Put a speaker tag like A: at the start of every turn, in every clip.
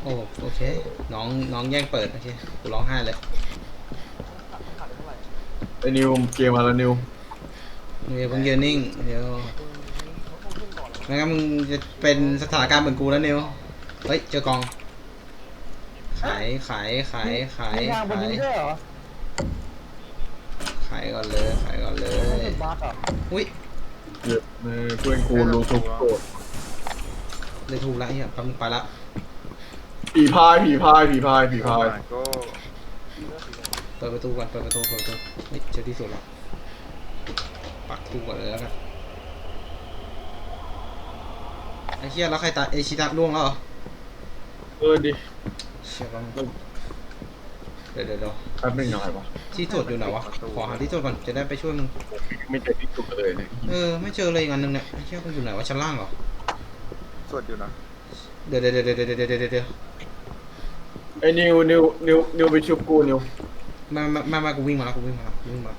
A: โอ้โอเคน้องแย่งเปิดโอเคกูร้องไห้เลย
B: ไอ้นิวเกมมาแล้วนิว
A: เดี๋ยวมึงยืนนิ่งเดี๋ยวไม่งั้นมึงจะเป็นสถานการณ์เหมือนกูแล้วนิวเฮ้ยเจอกองขาย
C: มีทางบนนี้ด้วยเหรอ
A: ขายก่อนเลยขายก่อนเล
C: ไม่
A: ย
C: จุดบั๊กอ่ะ
A: อุ้ย
B: เจ็บเลยเพื่อนกูรู้ทุกโกรธ
A: เลยถูกแล้วไอ้เหี้ยปั๊มไปละ
B: ผีพาย
D: ก็
A: เปิดประตูก่อนเปิดประตูเฮ้ยเจอที่สุดแล้วปักทูก่อนเลยแล้วกันไอ้เหี้ยแล้วใครตายไอชิตะล่วงแล้วเหรอ
B: ดิ
A: เชี่ยปั๊มเดี๋ยว
B: แป๊บนึงหน่อยวะ
A: ที่ตรวจอยู่ไหนวะขอหาที่ตรวจก่อนจะได้ไปช่วยมึง
B: ไม่เจอที่สุดเลยเนี่ย
A: ไม่เจอเลยอีกอันนึงเนี่ยไอ้เชี่ยมันอยู่ไหนวะชั้นล่างเหรอ
D: สวดอยู่นะ
A: เดี๋ยว
B: ไอ้นิวไปชุบกูนิว
A: มากูวิ่งมากูวิ่งมากูวิ่ง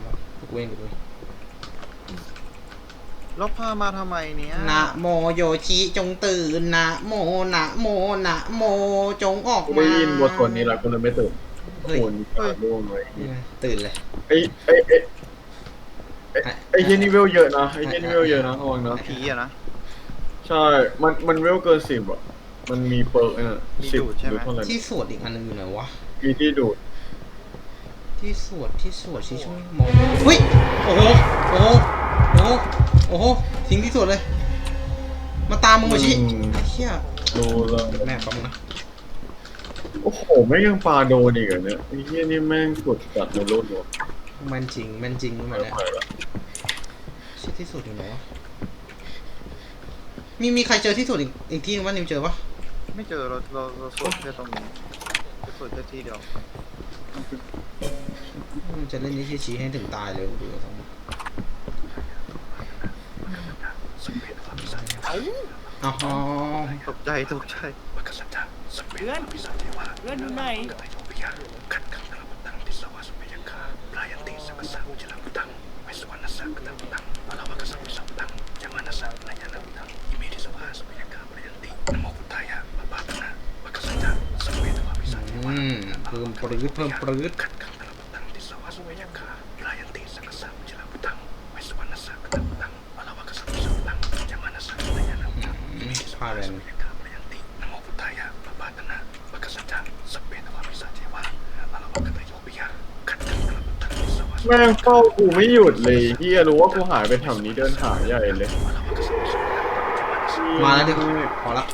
D: แล้วพามาทำไมเนี้ย
A: นะโมโยชิจงตื่นนะโมจงออก
B: ไม่
A: มา
B: ยินบทสวดนี้แล้วกูเลยไม่ตื่น
A: เฮ้ย
B: คนตาล่วงเลย
A: ตื่นเลย
B: ไอ้เจนี่เวลเยอะนะไอ้เจนี่เวลเยอะนะระวังนะ
D: ผีอะนะ
B: ใช่มันเวลเกิน10อ่ะมันมีเปิร์กน่ะ10หรือเท่าไหร่
A: ที่สวดอีกอันนึงอยู่ไหนวะ
B: มีที่ดูด
A: ที่สวดชี้ช่วยมองเฮ้ยโอ้โหทิ้งที่สวดเลยมาตามมึงมาชี้ไอ้เหี้ย
B: ดูแล้ว
A: แม่ปั๊มนะ
B: โอ้โหแม่งยังปาโดนอีกเหรอเนี่ยไอ้เหี้ยนี่แม่งกดจัดในรถวะ
A: แม่นจริงเหมือนเนี่ยชี้ที่สวดอยู่ไหนวะมีใครเจอที่สวดอีกที่นึงว่านิวเจอปะ
D: ไม่เจอเราสวดแค่ตรงนี้สวดแค่ที่เดียว
A: มันจะเล่นนี้ชี้ให้ถึงตายเลยดูทั้งหมดอ๋อ
D: ตกใจ
C: เพื่อนอยู่ไหน
A: เพิ่มปรื้ดพาแรง
B: แม่งเฝ้ากูไม่หยุดเลยเฮียรู้ว่ากูหายไปแถวนี้เดินหาใหญ่เลย
A: มาแล้วดิพอละ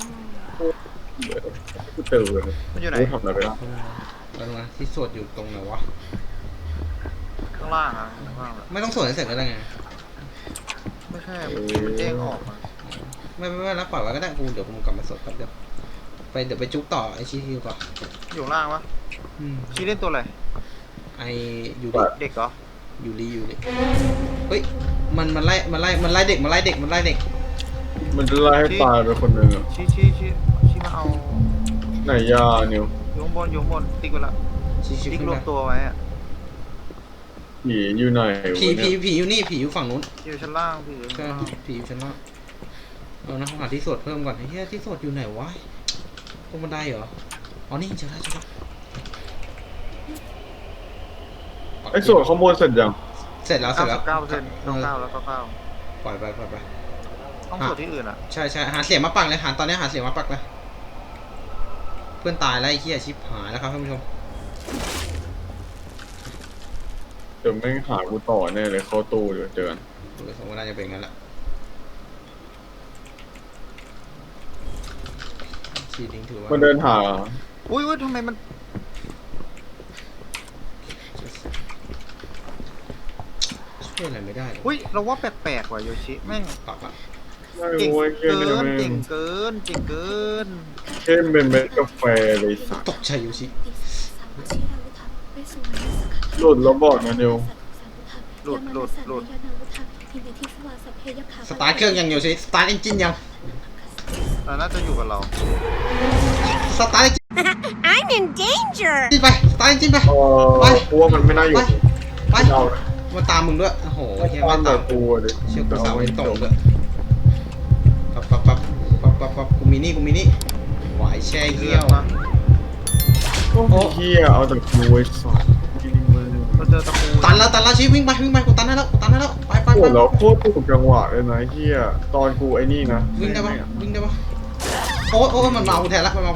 B: กูเจอเลย
D: มันอยู่ไหน
B: ทำอะไรไปแล้ว
A: แล้วมาที่สวดอยู่ตรงไหนวะ
D: ข้างล่างอะข้างล่าง
A: ไม่ต้องสวดให้เสร็จแล้วไง
D: ไม่ใช่มันเด้งออกมา
A: ไม่รับปล่อยไว้ก็ได้กูเดี๋ยวกูกลับมาสวดแป๊บเดียวเดี๋ยวไปจุ๊บต่อไอชีฮิวต่อ
D: อยู่ล่างปะชี้เล่นตัวอะไร
A: ไอยู
D: เด็กเหรอ
A: ยูริเฮ้ยมันไล่เด็กมัน
B: จะไล่ให้ตายไปคนหนึ่งอ่ะ
D: ชี้มาเอา
B: ไหนยานิว
D: อยู่ข้างบนติ๊กไปละติ๊กรวมตัวไว้อะ
B: ผีอยู่ไหน
A: ผีอยู่นี่ผีอยู่ฝั่งนู้น
D: อยู่ชั้นล่างผีอยู่
A: ชั้นล่างนะหาที่สวดเพิ่มก่อนไอ้เหี้ยที่สวดอยู่ไหนวะตรงบันไดเหรออ๋อนี่เจอแล้ว
B: ไอ้ส่วนข้างบนเสร็จยัง
A: เสร็จแล้ว
D: 9%แล้ว9
A: ปล่อยไป
D: ต้องสวดที่อื่นอ่ะ
A: ใช่หาเสียงมาปักเลยตอนนี้หาเสียงมาปักเลยเพื่อนตายแล้วไอ้เหี้ยชิบหายแล้วครับท่านผู้ชม
B: เดี๋ยวไม่หากูต่อแน่เลยเข้าตู้เดี๋ยวเจอกัน
A: สมมติน่าจะเป็นงั้นแหละชีดิ้งถือว่า
B: มันเดินหา
D: อุ้ยทำไมมัน
A: ช่วยอะไรไม่ได้
D: อุ้ยเราว่าแปลกๆว่ะโยชิแม่ง
A: ปักอะ
D: เก่งเกิน
B: เข้มเป็นเม็ดกาแฟเลย
A: ตกใจโยชิ
B: หลุดแล้วบอกนะนิว
D: หลุด
A: สตาร์ทเครื่องยังโยชิสตาร์ทเอนจินยัง
D: น่าจะอยู่กับเรา
A: สตาร์ท
E: I'm in danger
A: จิ้นไปสตาร์ทจิ้นไป
B: กูว่ามันไม่น่าอยู่
A: ไปมาตามมึงด้วยโอ้โหเฮียมาตาม
B: กูเลย
A: เชื่อกูสาวไม่ตรงด้วยปั๊บกูมีนี่ไหวแช่เยี่ยว
B: โอ้เฮียเอาแต่กูไว้สอนที่นี่มึง
D: เราเจอตะปู
A: ตันแล้วชี้วิ่งไปกูตันได้แล้วไป
B: โอ้แล้วโคตรถูกจังหวะเลยนะเฮียตอนกูไอ้นี่นะ
A: วิ่งได้ปะโอ้มันมากูแทนละมา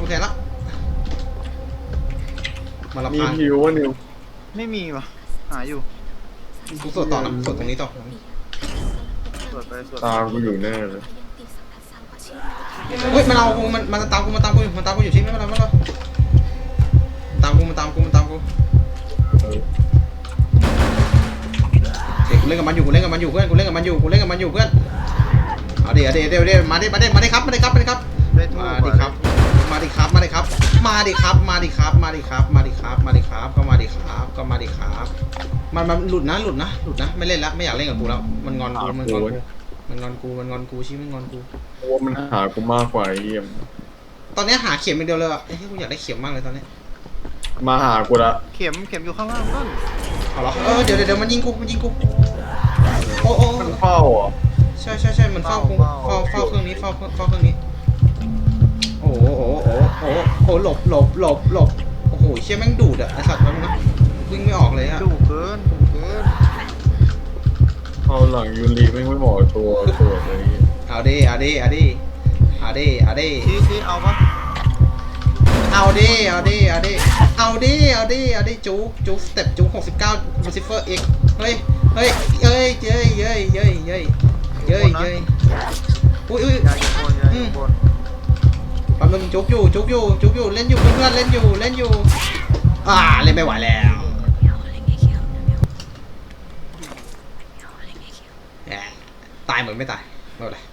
A: ละ
B: มี
A: พาน
B: ฮิวว่านิว
D: ไม่มีวะหาอยู่
A: กูสวดต่อนะสวดตรงนี้ต่อ
D: สวดไปสวด
B: ตามกูอยู่แน่เลย
A: เฮ้ยมันเอากูมันตามกูอยู่ชิ้นไม่เป็นไรตามกูเด็กกูเล่นกับมันอยู่เพื่อนเอาเดี๋ยวมาดิครับ
D: ได้ทูบ
A: มาดิครับก็มาดิครับมันหลุดนะไม่เล่นแล้วไม่อยากเล่นกับกูแล้วมันงอนกูชี้มันงอนกู
B: เพราะว่ามันหากูมากกว่าไอ้เฮีย
A: ตอนนี้หาเข็มอย่างเดียวเลยอ่ะไอ้ที่กูอยากได้เข็มมากเลยตอนนี้
B: มาหากูละ
D: เข็มอยู่ข้างล่างนั่น
A: เอาเหรอเดี๋ยวมันยิงกูโอ้
B: มันเฝ้าอ่ะ
A: ใช่มันเฝ้ากูเฝ้าเครื่องนี้เฝ้าเครื่องนี้โอ้หลบโอ้โหเชี่ยแม่งดูดอ่ะไอ้สัตว์มันนะวิ่งไม่ออกเลยอ่ะ
D: ดุเกิน
B: เอาหลังยูรีไม่เหมาะตัวเลย
A: เอาดิ
D: ชี้เอาปะ
A: จุ๊กสเต็ปจุ๊ก69 Lucifer X เฮ้ยเย้อุ้ย
D: ยาอยู่บน
A: แป๊บนึงจุ๊กอยู่เล่นอยู่เพื่อนเล่นอยู่เล่นไม่ไหวแล้วตายเหมือนไม่ตายไม่เป็นไร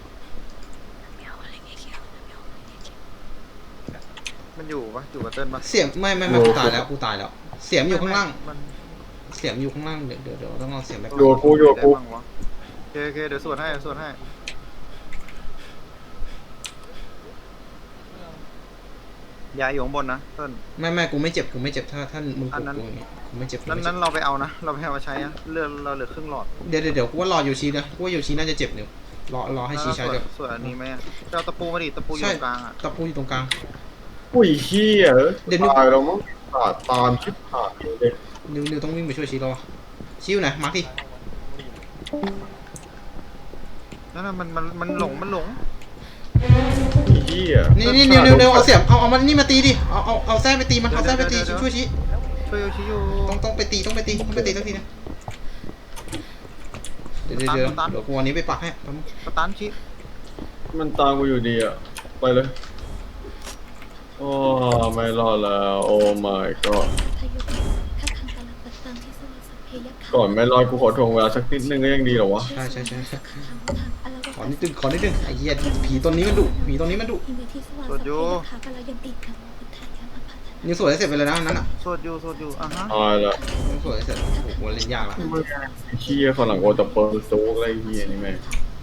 D: มันอยู่ปะอยู่กับเติ้ลปะ
A: เสียงไม่กูตายแล้วเสียงอยู่ข้างล่างเดี๋ยวต้องเอาเสียงแบ็ค
B: โยกู
D: โอเคเดี๋ยวสวดให้ยาอยู่ข้างบนนะเติ้ล
A: ไม่กูไม่เจ็บถ้ามึงกูอย่างงี้กูไม่เจ็บ
D: นั้นเราไปเอานะเราไปเอามาใช้อะเลือดเราเหลือครึ่งหลอด
A: เดี๋ยวกูว่ารออยู่ชีนะกูว่าอยู่ชีน่าจะเจ็บเนี่ยรอให้ชีใช้เดี๋ยว
D: ส่วนอันนี้ไหมจะเอาตะปูมาดิตะปูอยู่กลางอ่ะ
A: ตะปูอยู่ตรงกลาง
B: อุ้ยเฮีย
A: เดี๋ยวนึก
B: ตายแล้วมั้งตามชิบหายเลย
A: นิวต้องวิ่งไปช่วยชีแล้วชีอยู่ไหนมาร์คดิ
D: นั่นน่ะมันหลง
B: เฮีย
A: นี่นิวเอาเสียบเอามันนี่มาตีดิเอาแส้ไปตีมันเอาแส้ไปตีช่วยชี
D: ช่วยชี้อยู่
A: ต้องไปตีสักทีนะเดี๋ยวกูวันนี้ไปปักให้
D: สตันชี้
B: มันตามกูอยู่ดีอ่ะไปเลยโอ้ไม่รอดแล้วโอ้ my god ก่อนไม่รอดกูขอทวงเวลาสักนิดนึงก็ยังดีเหรอวะ
A: ใช่ขอนิดนึงไอ้เหี้ยผีตัวนี้มันดุ
D: สวดอยู่
A: นิวสวยเสร็จไปเลยนะนั้นอ่ะ
D: สวดอยู่อ่ะฮะ
B: ตายละ
A: นิวสวยเสร็จโอ้โหเล่นยากละ
B: เฮียฝรั่งโอตะเปิลโจ๊กอะไรเฮียนี่แม่ง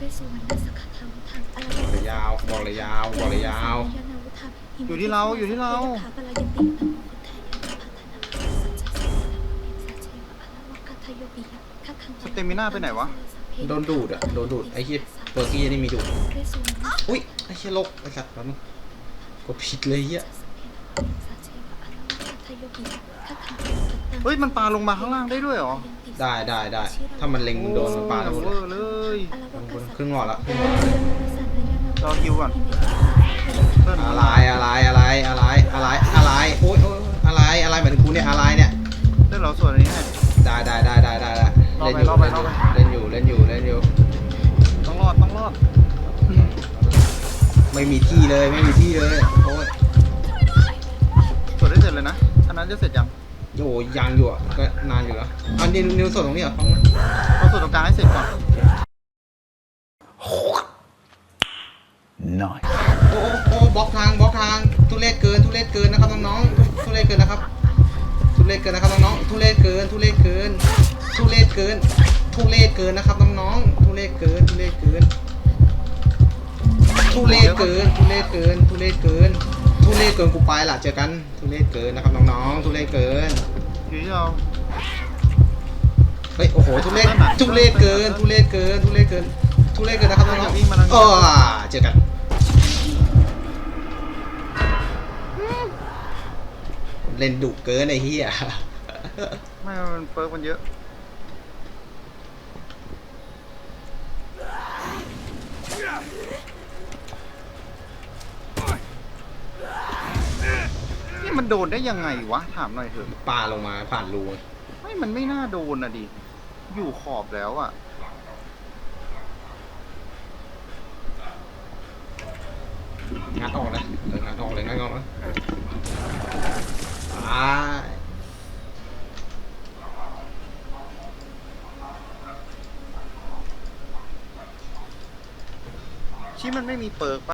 A: บอกเลยยาว
D: อยู่ที่เราสเตมิน่าไปไหนวะ
A: โดนดูดไอ้เหี้ยเปอร์กี้นี่มีดูดอุ้ยไอ้เหี้ยโลกไอ้สัตว์แล้วมึงกดผิดเลยเหี้ย
D: เฮ้ยมันปลาลงมาข้างล่างได้ด้วยเหรอ
A: ได้ถ้ามันเล็งมึงโดนมันปาแล้วหมดเลย
D: เลย
A: ครึ่งหลอดละ
D: รอคิวก่อน
A: อะไรโอ๊ยอะไรหมายถึงกูเนี่ยอะไรเนี่ย
D: เดี๋ยวเราสวดอันนี้ให้
A: ได้
D: รอไป
A: เล่นอยู่
D: ต้องรอด
A: ไม่มีที่เลยโอ้ย
D: สวดได้เสร็จเลยนะอันนั้นจะเสร็จยัง
A: โอ้ยังอยู่อ่ะก็นานอยู่แล้วอันนี้นิวสดตรงนี้เหรอ
D: เราสวดตรงกลางให้เสร็จก่อน
A: โอ้บล็อกทางทุเรศเกินนะครับน้องๆทุเรศเกินนะครับน้องๆทุเรศเกินนะครับน้องๆทุเรศเกินกูไปล่ะเจอกันทุเรศเกินนะครับน้องๆทุเรศเกิน
D: อยู่ที่เรา
A: เฮ้ยโอ้โหทุเรศเกินนะครับน้องๆเจอกันเล่นดุเกินไอ้เหี้ย
D: ไม่มันเปิร์กมันเยอะนี่มันโดนได้ยังไงวะถามหน่อยเถอะ
A: ปลาลงมาผ่านรู
D: ไม่มันไม่น่าโดนอ่ะดิอยู่ขอบแล้วอ่ะ
A: งัดออกเลยงัดออกเลยงัดออกเลยตาย
D: ชี้มันไม่มีเปิร์ก